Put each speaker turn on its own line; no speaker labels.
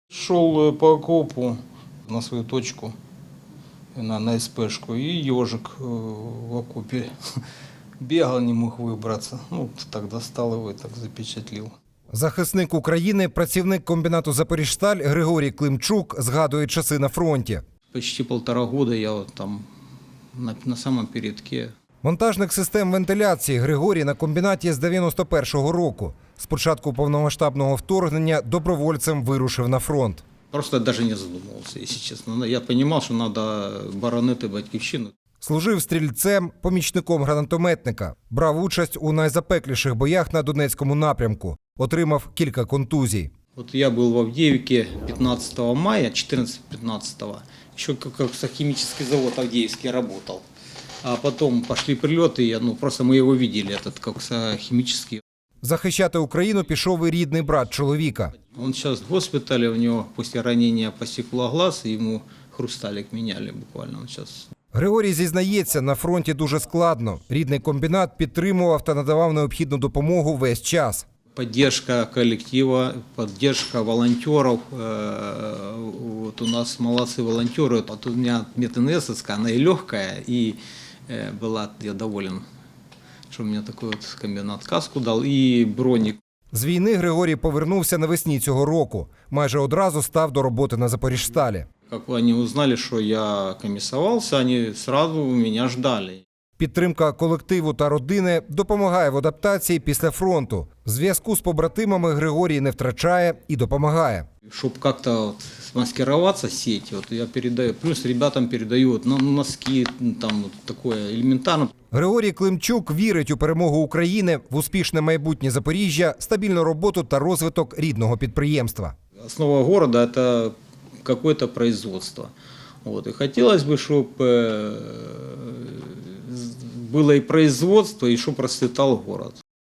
Шел по окопу на свою точку, на СПшку, и ежик в окопе бегал, не мог выбраться. Ну, так достал его и так запечатлил.
Захисник України, працівник комбінату «Запоріжсталь» Григорій Климчук згадує часи на фронті.
Почти 1,5 года я вот там на самом передке.
Монтажник систем вентиляції Григорій на комбінаті з 91-го року. З початку повномасштабного вторгнення добровольцем вирушив на фронт.
Просто даже не задумывался, если честно. Я понимал, что надо боронити батьківщину.
Служив стрільцем, помічником гранатометника. Брав участь у найзапекліших боях на Донецькому напрямку. Отримав кілька контузій.
Вот я был в Авдеевке 15 мая, 14-15, еще как химический завод Авдеевский работал. А потом пошли прилеты, просто мы его видели, этот химический.
Захищати Україну пішов і рідний брат чоловіка.
Он сейчас в госпитале, у него после ранения посекло глаз, и ему хрусталик меняли буквально. Он сейчас...
Григорій зізнається, на фронті дуже складно. Рідний комбінат підтримував та надавав необхідну допомогу весь час.
Поддержка коллектива, поддержка волонтеров. Вот у нас молодцы волонтеры. Вот у меня мединесовская, она и легкая, и была, я доволен, что мне такой вот комбинат каску дал, и броник.
З війни Григорій повернувся навесні цього року. Майже одразу став до роботи на «Запоріжсталі».
Как они узнали, что я комиссовался, они сразу меня ждали.
Підтримка колективу та родини допомагає в адаптації після фронту. Зв'язку з побратимами Григорій не втрачає і допомагає.
Чтобы как-то маскироваться сеть, я передаю, плюс ребятам передаю носки, там такое элементарно.
Григорій Климчук вірить у перемогу України, в успішне майбутнє Запоріжжя, стабільну роботу та розвиток рідного підприємства.
Основа города – это какое-то производство. И хотелось бы, чтобы было и производство, и чтобы процветал город.